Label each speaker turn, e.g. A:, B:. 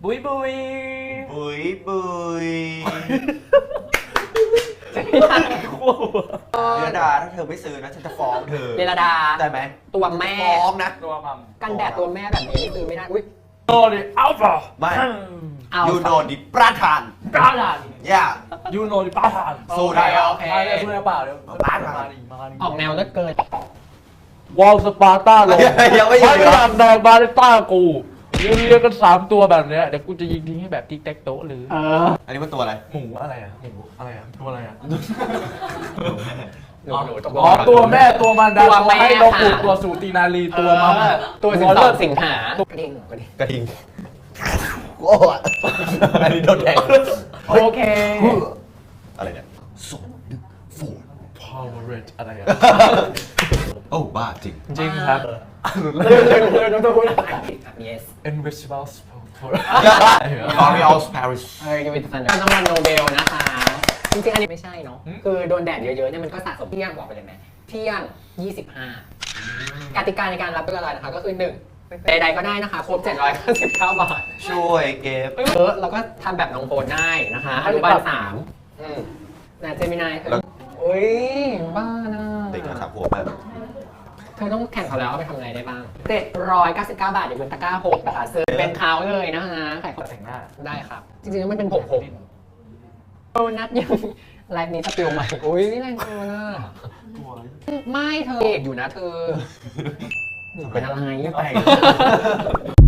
A: บุยบุย
B: บุยบุย เรดาถ้าเธอไม่ซื้อนะฉันจะฟ้องเธอ
C: เรดา
B: ได้ไหม
C: ตัวแม่
B: ฟ้องนะ
A: ตัวมัม
C: กันแดดตัวแม่แบบนี้ซื้อไม่ได้อุ้ย
A: โนดิอัลฟา
B: ไม่
C: เอา
B: ยูโนดิประธาน
A: ปราดาน
B: ย่า
A: ยูโนดิปราดาน
B: สู้ได้เหรอ
C: โอเค
A: มาเลยสู้ได้เปล่าเดี๋ยว
B: ปราดาน
A: มาดิมาดิ
C: ออกแนวเลิศเกิน
A: วอลสปาร์ต้าลง
B: ยังไม่หยุ
A: ไม่
B: ดเหรอ
A: อยากแดงบาริต้ากูเรียงกัน3ตัวแบบเนี้ยเดี๋ยวกูจะยิงทิ้งให้แบบติ๊กแท็กโต๊ะหรือ
B: อันนี้มันตัวอะไร
A: หมูอะไรอ่ะหมูอะไรอ่ะตัวอะไรอ่ะ
C: หนูตัว
A: อ๋อตัวแม่ตัวมันดา
C: ตัวแม่
A: ให้นกปู
C: ค่ะ
A: ตัวสูตินารีตัวมัม
C: ตัวสิง
A: เลิศ
C: สิงหากระดิ่งกระดิ่ง
B: กระทิงโอ้ยอันนี้โดนแทง
C: โอเค
B: อะไรเนี่ย2 1 4
A: Power Rate อะไรอ่ะ
B: โอ้บ้าจริง
A: จริงครับ
C: yes
A: Invisible for
B: L'Oreal Paris
C: ยูวิทฟันรางวัลโนเบลนะคะ จริงๆ อันนี้ไม่ใช่เนาะ คือโดนแดดเยอะๆเนี่ยมันก็สะสมเที่ยงบอกไปเลยไหมเที่ยง 25 กติกาในการรับเป็นอะไรนะคะ ก็คือ 1 ใดๆก็ได้นะคะครบ 799 บาท
B: ช่วยเก็บ
C: เราก็ทำแบบน้องโพสได้นะคะอนุบาล3นะเจมินายโอ้ยบ้านะ
B: เด็กมา3 ขวบแบบ
C: เธอต้องแข่งเขาแล้วเอาไปทำอะไรได้บ้าง799 บาทเดี๋ยวเป็นตะกร้า6นะคะซื้อเป็นเขาเลยนะคะขายของ
A: แต่งหน้า
C: ได้ครับ จริงๆแล้วมันเป็นผมโดนัทยังไลฟ์นี้สปิลใหม่อุ้ยนี่แรงเกินอ่ะไม่เธอเอกอยู่นะเธอหนูเป็นอะไร
B: ไม่ไป